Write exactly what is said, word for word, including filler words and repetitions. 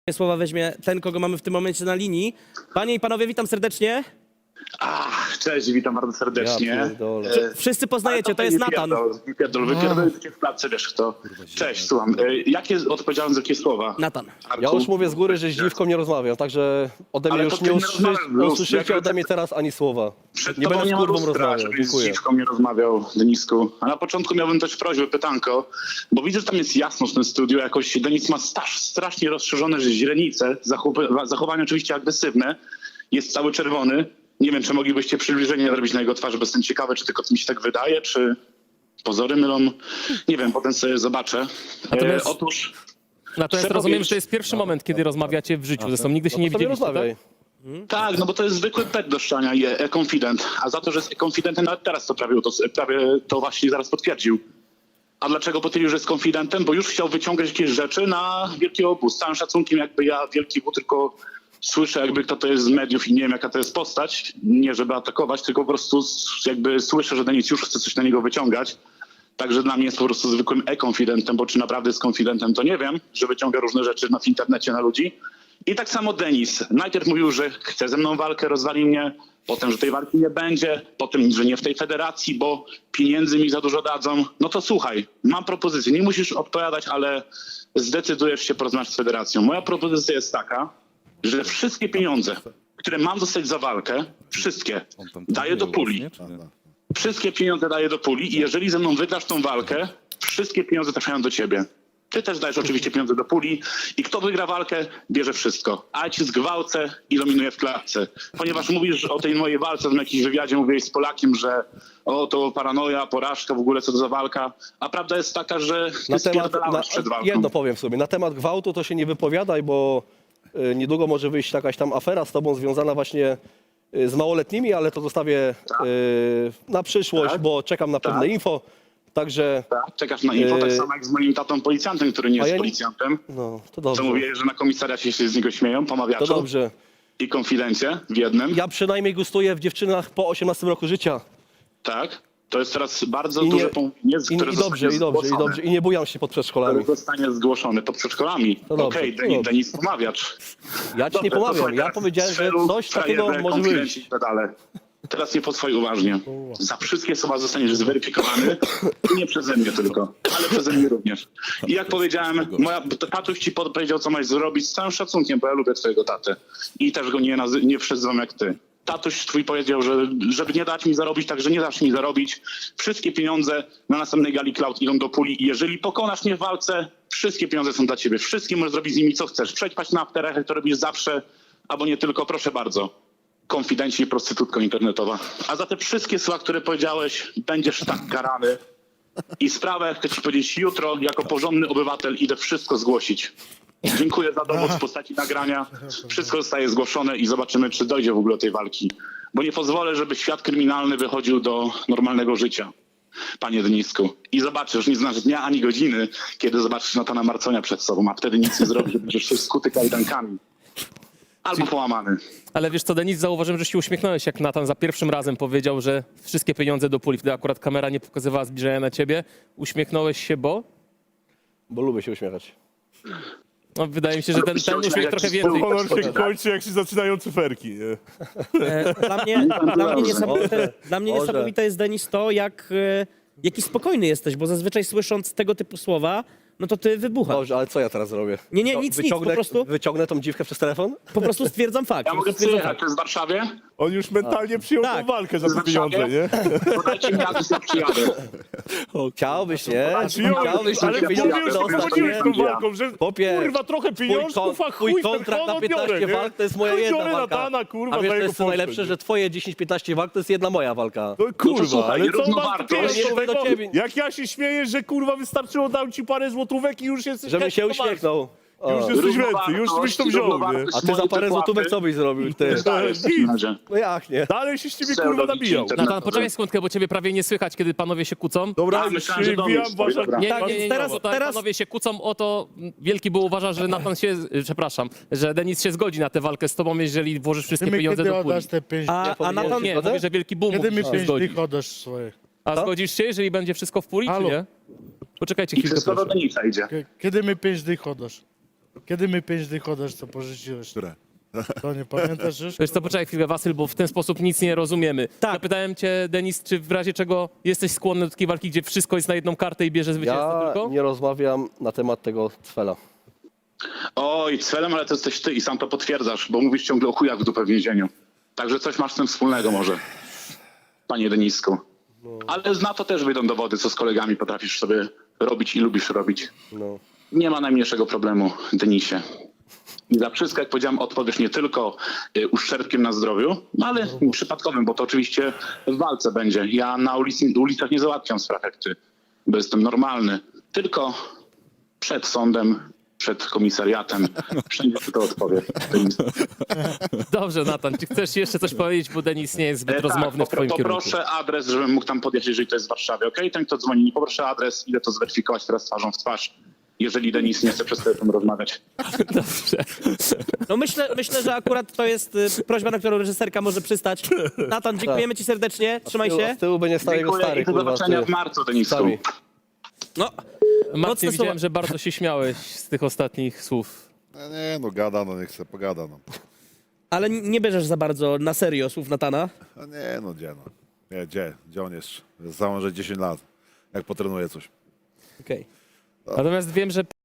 Słowa weźmie ten, kogo mamy w tym momencie na linii. Panie i panowie, witam serdecznie. Ach, cześć, witam bardzo serdecznie. Ja pierdolę. E, Wszyscy ale poznajecie, to jest nie Natan. Pierdol, nie pierdol, wypierdolę cię w klatce, wiesz kto. Cześć, słucham. E, jakie odpowiedziałem za jakie słowa? Natan. Arku? Ja już mówię z góry, że z dziwką nie rozmawiam, także ode mnie Ale już to nie ty nie usłyszy, rozmawiasz, Luz, usłyszycie jak- ode mnie teraz ani słowa. Przed Nie tobą będę z ma kurwą lustra, rozmawiał, żebyś z dziękuję. dziwką nie rozmawiał, Denisku. A na początku miałbym też prośbę, pytanko, bo widzę, że tam jest jasno w tym studiu, jakoś Denis ma staż, strasznie rozszerzone źrenice, zachow- zachowania oczywiście agresywne, jest cały czerwony. Nie wiem, czy moglibyście przybliżenie zrobić na jego twarzy, bo jestem ciekawy, czy tylko mi się tak wydaje, czy pozory mylą. Nie wiem, potem sobie zobaczę. Natomiast- E, otóż... Natomiast Trzeba rozumiem, wiedzieć- że to jest pierwszy moment, kiedy rozmawiacie w życiu. Zresztą nigdy się nie No to sobie widzieliście, rozmawiaj. tak? Tak, no bo to jest zwykły pet do szczania i e-confident. A za to, że jest e-confidentem, nawet teraz to prawie to, prawie to właśnie zaraz potwierdził. A dlaczego potwierdził, że jest konfidentem? Bo już chciał wyciągać jakieś rzeczy na Wielki Obóz. Z całym szacunkiem, jakby ja Wielki Obóz tylko słyszę, jakby kto to jest z mediów i nie wiem, jaka to jest postać. Nie żeby atakować, tylko po prostu jakby słyszę, że Denis już chce coś na niego wyciągać. Także dla mnie jest po prostu zwykłym e-confidentem, bo czy naprawdę jest konfidentem, to nie wiem, że wyciąga różne rzeczy na, w internecie na ludzi. I tak samo Denis. Najpierw mówił, że chce ze mną walkę, rozwali mnie, potem, że tej walki nie będzie, potem, że nie w tej federacji, bo pieniędzy mi za dużo dadzą. No to słuchaj, mam propozycję, nie musisz odpowiadać, ale zdecydujesz się porozmawiać z federacją. Moja propozycja jest taka, że wszystkie pieniądze, które mam dostać za walkę, wszystkie daję do puli. Wszystkie pieniądze daję do puli i jeżeli ze mną wygrasz tą walkę, wszystkie pieniądze trafiają do ciebie. Ty też dajesz oczywiście pieniądze do puli i kto wygra walkę, bierze wszystko. A ja ci zgwałcę i dominuję w klatce. Ponieważ mówisz o tej mojej walce, w jakimś wywiadzie mówiłeś z Polakiem, że o to paranoja, porażka, w ogóle co to za walka. A prawda jest taka, że ty Na temat, na, spierdalałeś przed walką. jedno powiem sobie, na temat gwałtu to się nie wypowiadaj, bo y, niedługo może wyjść jakaś tam afera z tobą związana właśnie y, z małoletnimi, ale to zostawię y, na przyszłość, Tak. bo czekam na pewne Tak. info. Także, Tak, czekasz na info, tak Yy, samo jak z moim tatą policjantem, który nie a jest ja nie- policjantem. no, to Co dobrze. mówię, że na komisariacie się z niego śmieją, To pomawiaczu dobrze. i konfidencje w jednym. Ja przynajmniej gustuję w dziewczynach po osiemnastym roku życia. Tak, to jest teraz bardzo I nie- duże pomówienie, I, które i dobrze, zostanie i dobrze, i zgłoszone. dobrze. I nie bujam się pod przedszkolami. Które zostanie zgłoszone pod przedszkolami. To dobrze, Okej, to Denis, dobrze. Denis pomawiacz. Ja ci Dobrze, nie to pomawiam. słuchaj, Ja teraz powiedziałem, że strzelu, coś takiego frajerze, może konfidenci wyjść. i tak dalej. Teraz nie posłuchaj uważnie. Za wszystkie słowa zostaniesz zweryfikowany i nie przeze mnie tylko, ale przeze mnie również. I jak powiedziałem, moja, tatuś ci powiedział, co masz zrobić z całym szacunkiem, bo ja lubię twojego tatę. I też go nie, nazy- nie przyzywam jak ty. Tatuś twój powiedział, że żeby nie dać mi zarobić, także nie dasz mi zarobić. Wszystkie pieniądze na następnej gali Cloud idą do puli i jeżeli pokonasz mnie w walce, wszystkie pieniądze są dla ciebie. Wszystkie możesz zrobić z nimi co chcesz. Przećpać na afterach, jak to robisz zawsze, albo nie tylko, proszę bardzo. Konfidenci i prostytutka internetowa. A za te wszystkie słowa, które powiedziałeś, będziesz tak karany. I sprawę, chcę ci powiedzieć, jutro jako porządny obywatel idę wszystko zgłosić. Dziękuję za dowód w postaci nagrania. Wszystko zostaje zgłoszone i zobaczymy, czy dojdzie w ogóle do tej walki. Bo nie pozwolę, żeby świat kryminalny wychodził do normalnego życia, panie Denisku. I zobaczysz, nie znasz dnia ani godziny, kiedy zobaczysz Natana Marconia przed sobą, a wtedy nic nie zrobisz, że będziesz się skuty kajdankami. Albo połamany. Ale wiesz co, Denis, zauważyłem, że się uśmiechnąłeś, jak Natan za pierwszym razem powiedział, że wszystkie pieniądze do puli. Wtedy akurat kamera nie pokazywała zbliżenia na ciebie. Uśmiechnąłeś się, bo? Bo lubię się uśmiechać. No, wydaje mi się, że ten, ten uśmiech trochę więcej. Honor się kończy, jak się zaczynają cyferki. Nie? E, Dla mnie, dla mnie, niesamowite, dla mnie Może. niesamowite jest, Denis, to, jak, e, jaki spokojny jesteś, bo zazwyczaj słysząc tego typu słowa, no to ty wybuchasz. Dobrze, ale co ja teraz zrobię? Nie, nie, No, nic, nic, wyciągnę, po prostu- Wyciągnę tą dziwkę przez telefon? Po prostu stwierdzam fakt. Ja po mogę prostu stwierdzam przyjechać, to jest w Warszawie? On już mentalnie przyjął Tak. tą walkę za W te pieniądze, Warszawie? nie? Podajcie mi adres, ja przyjadę. Chciałbyś, nie? Przyjąłeś, Chciałbyś, ale żeby ty pieniądze już dostać, pochodziłeś nie? tą walką, że Popie, kurwa trochę Twój, pieniążków, a kon, chuj twój ten kontrakt na honor piętnaście biorę, nie? walk to jest moja Chuj jedna biorę walka. Natana, kurwa, A wiesz, za to jego jest co postać, najlepsze, nie? że twoje dziesięć piętnaście walk to jest jedna moja walka. No kurwa, słuchaj, ale co równowartość. masz Nie mówię do tego, ciebie. jak ja się śmieję, że kurwa wystarczyło dać ci parę złotówek i już jesteś Żebym się chętny do walki. uśmiechnął. O. Już jesteś więcej, już byś to wziął, nie? równowartość A ty za mojej parę wypłaty. złotówek co byś zrobił, ty? Zdajesz w takim razie. No jak nie? Dalej się z ciebie Pseudo kurwa nabijał. internet. Natan, poczekaj sekundkę, bo ciebie prawie nie słychać, kiedy panowie się kłócą. Dobra, A, już myślałem, że się do mnie wbijam, stoi, wasza... dobra. Nie, Tak, nie, nie, nie, teraz- bo tak teraz- panowie się kłócą o to, Wielki był uważa, że Natan się, przepraszam, że Denis się zgodzi na tę walkę z tobą, jeżeli włożysz wszystkie Ty mi pieniądze kiedy do puli. oddasz te pięć A, a powinien- Natan, Nie, mówię, że Wielki Boom Kiedy mówi, mi że pięć zgodzi. dych oddasz swoje? A Co? zgodzisz się, jeżeli będzie wszystko w puli, czy Halo? nie? Poczekajcie I chwilkę, wszystko do proszę. Denisa idzie. K- Kiedy mi pięć dych oddasz? Kiedy my pięć dych oddasz, co pożyczyłeś? Które? To nie pamiętasz już? Wiesz co, poczekaj chwilę, Wasyl, bo w ten sposób nic nie rozumiemy. Tak. Zapytałem cię, Denis, czy w razie czego jesteś skłonny do takiej walki, gdzie wszystko jest na jedną kartę i bierze zwycięzcę Ja tylko? nie rozmawiam na temat tego cwela. Oj, Cwelem, ale to jesteś ty i sam to potwierdzasz, bo mówisz ciągle o chujach w dupę w więzieniu. Także coś masz z tym wspólnego może, panie Denisku. Ale na to też wyjdą dowody, co z kolegami potrafisz sobie robić i lubisz robić. No. Nie ma najmniejszego problemu, Denisie. I za wszystko, jak powiedziałem, odpowiesz nie tylko y, uszczerbkiem na zdrowiu, no ale przypadkowym, bo to oczywiście w walce będzie. Ja na ulicy, ulicach nie załatwiam spraw jak ty, bo jestem normalny. Tylko przed sądem, przed komisariatem. Wszędzie ci to odpowie. Dobrze, Natan, czy chcesz jeszcze coś powiedzieć, bo Denis nie jest zbyt E, rozmowny w popro- twoim kierunku. Poproszę adres, żebym mógł tam podjechać, jeżeli to jest w Warszawie, okej? Ten, kto dzwoni, nie poproszę adres, idę to zweryfikować teraz twarzą w twarz, jeżeli Denis nie chce przez telefon rozmawiać. Dobrze. No myślę, myślę, że akurat to jest y, prośba, na którą reżyserka może przystać. Natan, dziękujemy ci serdecznie, trzymaj Z tyłu, się. z tyłu będzie stał jego Dziękuję stary, i do kurwa. zobaczenia ty. w marcu, Denisku. Sami. No, Marcin, Mocne widziałem, słowa. że bardzo się śmiałeś z tych ostatnich słów. No nie, no gada, no nie chcę, pogada, no. ale nie bierzesz za bardzo na serio słów Natana. No nie, no gdzie, no. Nie, gdzie, gdzie on jest? Założę dziesięć lat, jak potrenuje coś. Okej. Natomiast wiem, że